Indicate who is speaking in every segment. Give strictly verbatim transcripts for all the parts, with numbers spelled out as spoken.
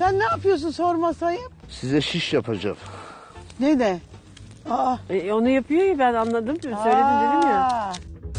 Speaker 1: Sen ne yapıyorsun sormasayım?
Speaker 2: Size şiş yapacağım.
Speaker 1: Ne de? Aa.
Speaker 3: E, onu yapıyor ya, ben anladım. Söyledim dedim ya.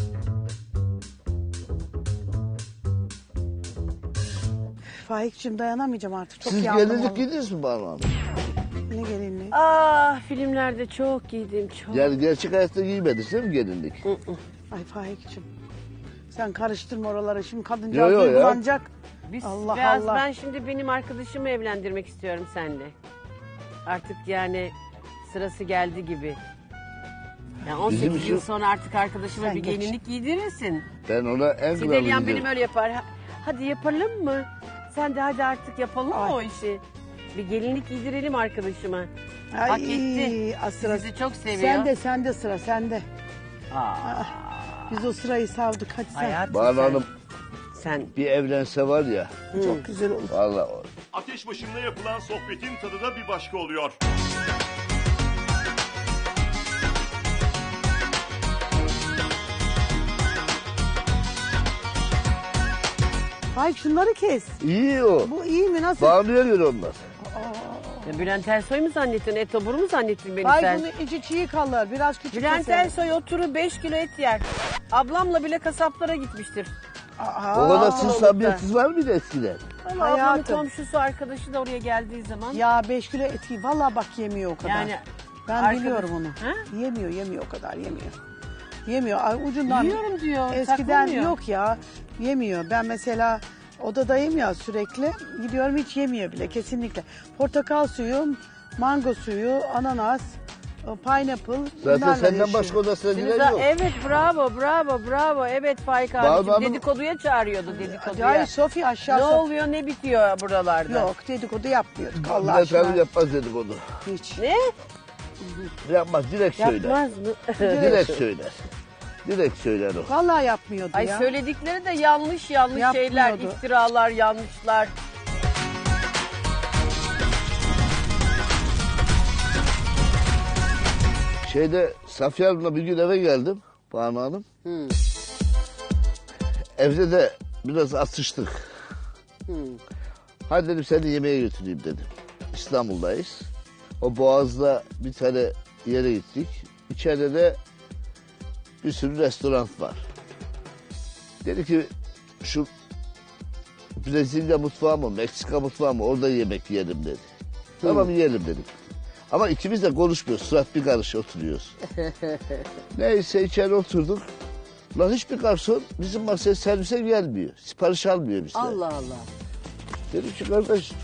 Speaker 1: Faik'cim dayanamayacağım artık. Çok
Speaker 2: Siz
Speaker 1: yandım
Speaker 2: gelinlik
Speaker 1: vallahi.
Speaker 2: giydiniz mi Banu Hanım?
Speaker 1: Ne gelinliği?
Speaker 3: Ah, filmlerde çok giydim, çok.
Speaker 2: Yani gerçek hayatta giymediniz değil mi gelinlik?
Speaker 1: Ay Faik'cim. Sen karıştırma oraları. Şimdi
Speaker 2: Yo,
Speaker 1: kadıncağız
Speaker 2: yo ya.
Speaker 1: duygulanacak.
Speaker 3: Biz,
Speaker 1: Allah
Speaker 3: biraz
Speaker 1: Allah.
Speaker 3: Ben şimdi benim arkadaşımı evlendirmek istiyorum seninle. Artık yani sırası geldi gibi. Yani on sekiz
Speaker 2: Bizim
Speaker 3: yıl
Speaker 2: için-
Speaker 3: sonra artık arkadaşıma
Speaker 1: Sen
Speaker 3: bir
Speaker 1: geç.
Speaker 3: gelinlik giydirirsin.
Speaker 2: Ben ona en
Speaker 3: Sideliyan
Speaker 2: kralını
Speaker 3: benim öyle yapar. Ha- Hadi yapalım mı? Sen de hadi artık yapalım mı
Speaker 1: Ay.
Speaker 3: o işi? Bir gelinlik giydirelim arkadaşıma.
Speaker 1: Ay,
Speaker 3: Hak etti.
Speaker 1: az sıra.
Speaker 3: Sizi çok seviyor.
Speaker 1: Sen de sen de sıra sende.
Speaker 3: Aa,
Speaker 1: Biz o sırayı savdık hadi sen.
Speaker 3: hayatım
Speaker 2: Banu
Speaker 3: sen-
Speaker 2: Hanım
Speaker 3: Sen
Speaker 2: bir evlense var ya.
Speaker 1: Çok güzel olur.
Speaker 2: Vallahi
Speaker 4: Ateş başında yapılan sohbetin tadı da bir başka oluyor.
Speaker 1: Faik şunları kes.
Speaker 2: iyi o.
Speaker 1: Bu iyi mi nasıl?
Speaker 2: Banu'ya göre onlar.
Speaker 3: Ya Bülent Ersoy mu zannettin? Etobur mu zannettin beni
Speaker 1: Faik
Speaker 3: sen?
Speaker 1: bunun içi çiğ kalır. Biraz küçük
Speaker 3: Bülent
Speaker 1: keselim.
Speaker 3: Ersoy oturur beş kilo et yer. Ablamla bile kasaplara gitmiştir.
Speaker 1: Aa,
Speaker 2: O kadar siz
Speaker 3: olur
Speaker 2: samimiyetsiz var mıydı eskiden?
Speaker 3: Ama ablamın
Speaker 1: Hayatım.
Speaker 3: komşusu arkadaşı da oraya geldiği zaman.
Speaker 1: Ya beş kilo eti valla bak yemiyor o kadar.
Speaker 3: Yani
Speaker 1: ben
Speaker 3: arkadaş-
Speaker 1: biliyorum onu.
Speaker 3: Ha?
Speaker 1: Yemiyor yemiyor o kadar yemiyor. Yemiyor Ay, ucundan.
Speaker 3: Yiyorum diyor,
Speaker 1: Eskiden
Speaker 3: saklamıyor.
Speaker 1: yok ya yemiyor. Ben mesela odadayım ya sürekli. Gidiyorum hiç yemiyor bile kesinlikle. Portakal suyu, mango suyu, ananas, pineapple.
Speaker 2: Zaten
Speaker 1: bunlarla
Speaker 2: senden
Speaker 1: yaşıyor.
Speaker 2: başka odasına
Speaker 3: Deniz
Speaker 2: giren
Speaker 3: Ağa-
Speaker 2: yok.
Speaker 3: evet bravo bravo bravo. Evet Faik
Speaker 2: Banu
Speaker 3: abicim
Speaker 2: Hanım-
Speaker 3: dedikoduya çağırıyordu dedikoduya.
Speaker 1: Ay Sofi aşağı
Speaker 3: Ne
Speaker 1: Sofi.
Speaker 3: oluyor ne bitiyor buralarda?
Speaker 1: Yok dedikodu yapmıyorduk Allah
Speaker 2: Bülent
Speaker 1: aşkına.
Speaker 2: Hanım yapmaz dedikodu.
Speaker 1: Hiç.
Speaker 3: Ne?
Speaker 2: Yapmaz, direkt söyler.
Speaker 3: Yapmaz mı?
Speaker 2: Direkt söyler. Direkt söyler o.
Speaker 1: Vallahi yapmıyordu
Speaker 3: Ay
Speaker 1: ya.
Speaker 3: söyledikleri de yanlış yanlış şeyler,
Speaker 1: Yapmıyordu.
Speaker 3: iftiralar, yanlışlar.
Speaker 2: Şeyde Safiye Hanım'la bir gün eve geldim Banu Hanım.
Speaker 3: Hmm.
Speaker 2: Evde de biraz atıştık.
Speaker 3: Hmm.
Speaker 2: Hadi dedim seni yemeğe götüreyim dedim. İstanbul'dayız. O Boğaz'da bir tane yere gittik. İçeride de bir sürü restoran var. Dedi ki şu Brezilya mutfağı mı, Meksika mutfağı mı orada yemek yiyelim dedi. Tamam yiyelim dedik. Ama ikimiz de konuşmuyoruz. Surat bir karış oturuyoruz. Neyse içeri oturduk. Lan hiçbir garson bizim masaya servise gelmiyor. Sipariş almıyor bizden.
Speaker 3: Allah Allah.
Speaker 2: Dedim ki kardeş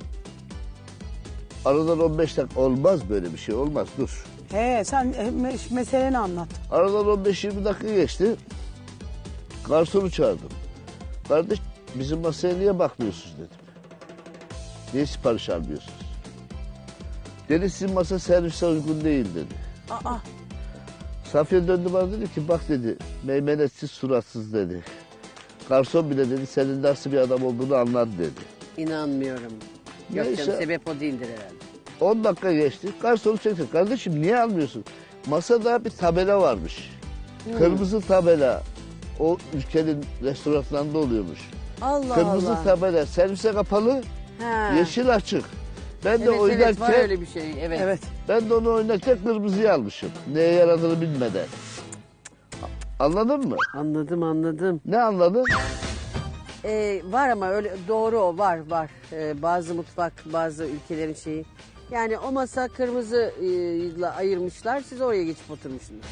Speaker 2: aradan on beş dakika olmaz böyle bir şey olmaz dur.
Speaker 1: He sen e, me- meseleni anlat.
Speaker 2: Aradan on beş yirmi dakika geçti. Garsonu çağırdım. Kardeş bizim masaya niye bakmıyorsunuz dedim. Niye sipariş almıyorsunuz? Dedi sizin masa servise uygun değil dedi.
Speaker 1: Aa.
Speaker 2: Safiye döndü bana dedi ki bak dedi meymenetsiz suratsız dedi. Garson bile dedi senin nasıl bir adam olduğunu anlar dedi.
Speaker 3: İnanmıyorum. Yok
Speaker 2: Neyse.
Speaker 3: canım sebep o değildir herhalde.
Speaker 2: on dakika geçti. Garsonu çekti. Kardeşim niye almıyorsun? Masada bir tabela varmış. Kırmızı tabela. O ülkenin restoranlarında oluyormuş.
Speaker 3: Allah
Speaker 2: Kırmızı
Speaker 3: Allah.
Speaker 2: tabela. Servise kapalı,
Speaker 3: Ha.
Speaker 2: yeşil açık. Ben de
Speaker 3: Evet
Speaker 2: oynarken
Speaker 3: evet var öyle bir şey. Evet.
Speaker 1: Evet.
Speaker 2: ben de onu oynarken kırmızıyı almışım. Neye yaradığını bilmeden. Anladın mı?
Speaker 3: Anladım anladım.
Speaker 2: Ne anladın?
Speaker 3: Ee, var ama öyle doğru o var var. Ee, bazı mutfak bazı ülkelerin şeyi. Yani o masa kırmızı e, ile ayırmışlar. Siz oraya geçip oturmuşsunuz.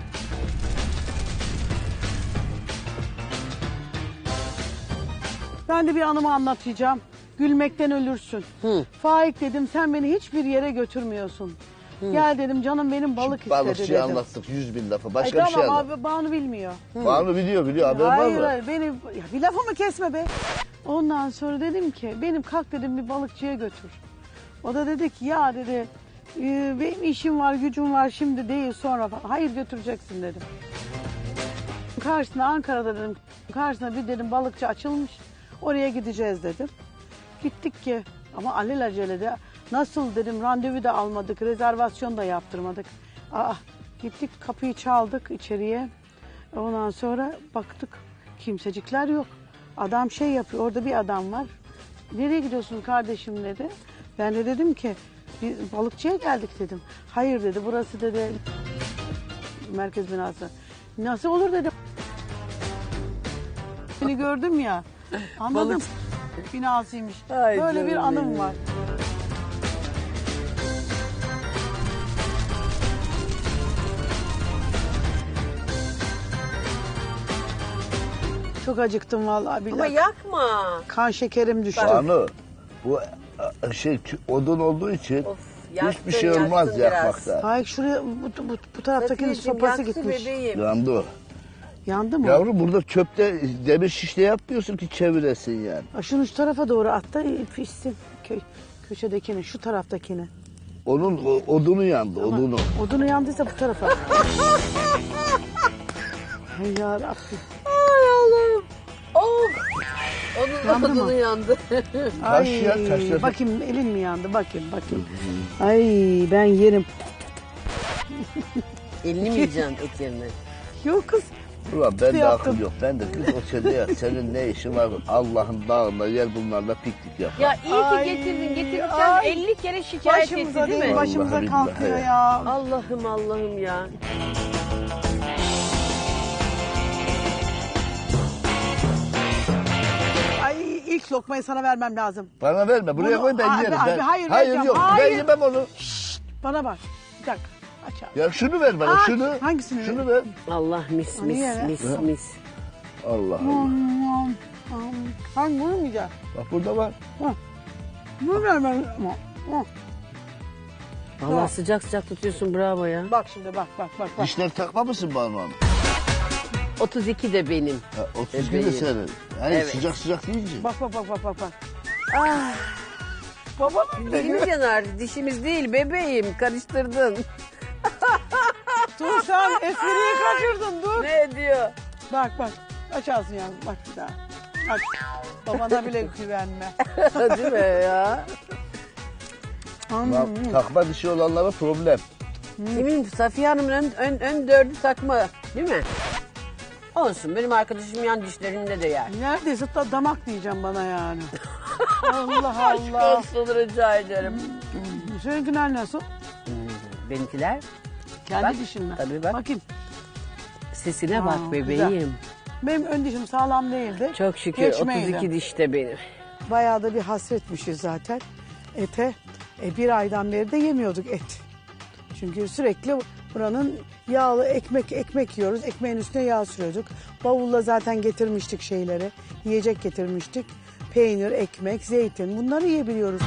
Speaker 1: Ben de bir anımı anlatacağım. Gülmekten ölürsün.
Speaker 3: Hı.
Speaker 1: Faik dedim sen beni hiçbir yere götürmüyorsun. Gel dedim canım benim balık istedi
Speaker 2: Balıkçıyı
Speaker 1: dedim.
Speaker 2: anlattık yüz bin lafa.
Speaker 1: Ay
Speaker 2: Başka bir şey
Speaker 1: tamam
Speaker 2: anlat.
Speaker 1: abi Banu bilmiyor.
Speaker 2: Banu biliyor biliyor haber var
Speaker 1: Hayır
Speaker 2: mı?
Speaker 1: hayır beni ya bir lafımı kesme be. Ondan sonra dedim ki benim kalk dedim bir balıkçıya götür. O da dedi ki ya dedi "e, benim işim var gücüm var şimdi değil sonra falan. Hayır götüreceksin dedim. Karşısına Ankara'da dedim karşısına bir dedim balıkçı açılmış oraya gideceğiz dedim. Gittik ki ama alelacele nasıl dedim randevu da almadık rezervasyon da yaptırmadık. Aa, gittik kapıyı çaldık içeriye. Ondan sonra baktık kimsecikler yok. Adam şey yapıyor orada bir adam var. Nereye gidiyorsun kardeşim dedi. Ben de dedim ki bir balıkçıya geldik dedim. Hayır dedi, burası dedi merkez binası. Nasıl olur dedim. Seni gördüm ya. Anladım.
Speaker 3: Balık-
Speaker 1: Binasıymış.
Speaker 3: Ay
Speaker 1: Böyle bir
Speaker 3: canım
Speaker 1: anım
Speaker 3: benim.
Speaker 1: var. Çok acıktım vallahi billahi.
Speaker 3: Ama yakma.
Speaker 1: Kan şekerim düştü.
Speaker 2: Banu bu e, şey tü- odun olduğu için
Speaker 3: Of,
Speaker 2: hiçbir
Speaker 3: yaktın,
Speaker 2: şey olmaz
Speaker 3: yaktın biraz.
Speaker 2: yakmakta.
Speaker 1: Hayır şuraya bu, bu, bu taraftakinin
Speaker 3: Safiyeciğim,
Speaker 1: sopası
Speaker 3: yaktı
Speaker 1: gitmiş.
Speaker 3: bebeğim.
Speaker 2: Yandı o.
Speaker 1: Yandı mı?
Speaker 2: Yavrum burada çöpte demir şişle yapmıyorsun ki çeviresin yani.
Speaker 1: Aa, şunu şu tarafa doğru at da pişsin. Kö köşedekini, şu taraftakini.
Speaker 2: Onun o- odunu yandı, odunu.
Speaker 1: Odunu yandıysa bu tarafa. Ay yarabbim.
Speaker 3: Ay Allah'ım. Of. Onun
Speaker 1: Yandı mı?
Speaker 3: odunu yandı.
Speaker 2: Taş ya, taşla-
Speaker 1: bakayım elin mi yandı? Bakayım bakayım. Ay ben yerim.
Speaker 3: Elini mi yiyeceksin et yerine?
Speaker 1: Yok kız.
Speaker 2: Ulan ben de
Speaker 1: yaptım.
Speaker 2: akıl yok. Ben de kız o sende ya. Senin ne işin var? Allah'ın dağında gel bunlarla piknik yap.
Speaker 5: Ya iyi
Speaker 1: Ay,
Speaker 5: ki getirdin. Getirirken
Speaker 1: ay.
Speaker 5: elli kere şikayet
Speaker 1: Başımıza
Speaker 5: etti değil
Speaker 1: değil,
Speaker 5: mi?
Speaker 1: başımıza
Speaker 2: Vallahi
Speaker 1: kalkıyor
Speaker 2: billahi.
Speaker 1: ya.
Speaker 3: Allah'ım Allah'ım ya.
Speaker 1: Ay ilk lokmayı sana vermem lazım.
Speaker 2: Bana verme. Buraya
Speaker 1: Bunu-
Speaker 2: koy ben
Speaker 1: Abi,
Speaker 2: yerim.
Speaker 1: abi,
Speaker 2: ben,
Speaker 1: hayır,
Speaker 2: hayır
Speaker 1: vereceğim.
Speaker 2: yok.
Speaker 1: Hayır.
Speaker 2: Ben yemem onu.
Speaker 1: Bana bak. Bir dakika. Aç abi.
Speaker 2: Ya şunu ver bana
Speaker 1: Ay,
Speaker 2: şunu.
Speaker 1: hangisini
Speaker 2: Şunu ver.
Speaker 3: Allah mis
Speaker 1: Ay,
Speaker 3: mis
Speaker 1: ya.
Speaker 3: mis mis.
Speaker 2: Allah Allah.
Speaker 1: Hangi bunu mu yiyeceğim?
Speaker 2: Bak burada var.
Speaker 1: Bunu vermem.
Speaker 3: Allah sıcak sıcak tutuyorsun bravo ya.
Speaker 1: Bak şimdi bak bak bak. bak.
Speaker 2: Dişler takma mısın Banu Hanım?
Speaker 3: otuz iki de benim.
Speaker 2: Ha, otuz iki de
Speaker 3: Bebeğim.
Speaker 2: senin. Hayır
Speaker 3: Evet.
Speaker 2: sıcak sıcak deyince.
Speaker 1: Bak bak bak bak bak. bak.
Speaker 3: Ah,
Speaker 1: Babanın
Speaker 3: dilimiz yanar. Dişimiz değil bebeğim. Karıştırdın.
Speaker 1: Dur sen espriyi kaçırdın dur.
Speaker 3: Ne diyor?
Speaker 1: Bak bak. Aç ağzını yavrum bak bir daha. Aç. Babana bile güvenme.
Speaker 3: Değil mi ya?
Speaker 2: Lan, takma dişi olanlara problem.
Speaker 3: Kimin? Safiye Hanım'ın ön, ön, ön dördü takma. Değil mi? Olsun. Benim arkadaşım yan dişlerinde de yer.
Speaker 1: Neredeyse da damak diyeceğim bana yani. Allah
Speaker 3: Aşk
Speaker 1: Allah.
Speaker 3: olsun rica ederim.
Speaker 1: Seninkiler nasıl?
Speaker 3: Benimkiler
Speaker 1: Kendi
Speaker 3: Bak,
Speaker 1: dişin mi?
Speaker 3: tabii bak.
Speaker 1: Bakayım.
Speaker 3: sesine
Speaker 1: Aa,
Speaker 3: bak bebeğim.
Speaker 1: güzel. Benim ön dişim sağlam değildi.
Speaker 3: Çok şükür
Speaker 1: Göçmeydi.
Speaker 3: otuz iki dişte benim.
Speaker 1: Bayağı da bir hasretmişiz zaten ete. E, bir aydan beri de yemiyorduk et. Çünkü sürekli buranın yağlı ekmek ekmek yiyoruz. Ekmeğin üstüne yağ sürüyorduk. Bavulla zaten getirmiştik şeyleri. Yiyecek getirmiştik. Peynir, ekmek, zeytin bunları yiyebiliyoruz.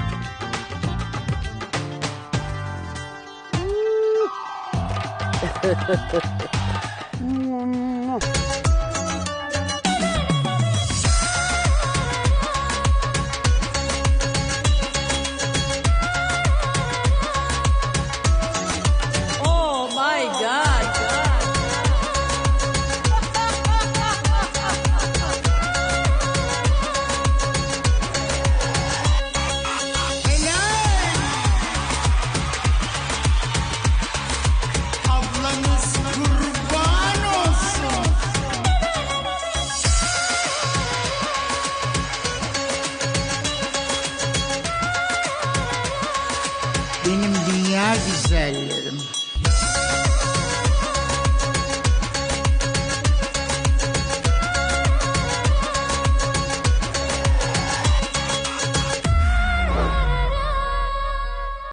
Speaker 5: Oh my God.
Speaker 6: Ablanız kurban olsun. Benim dünya güzelleri.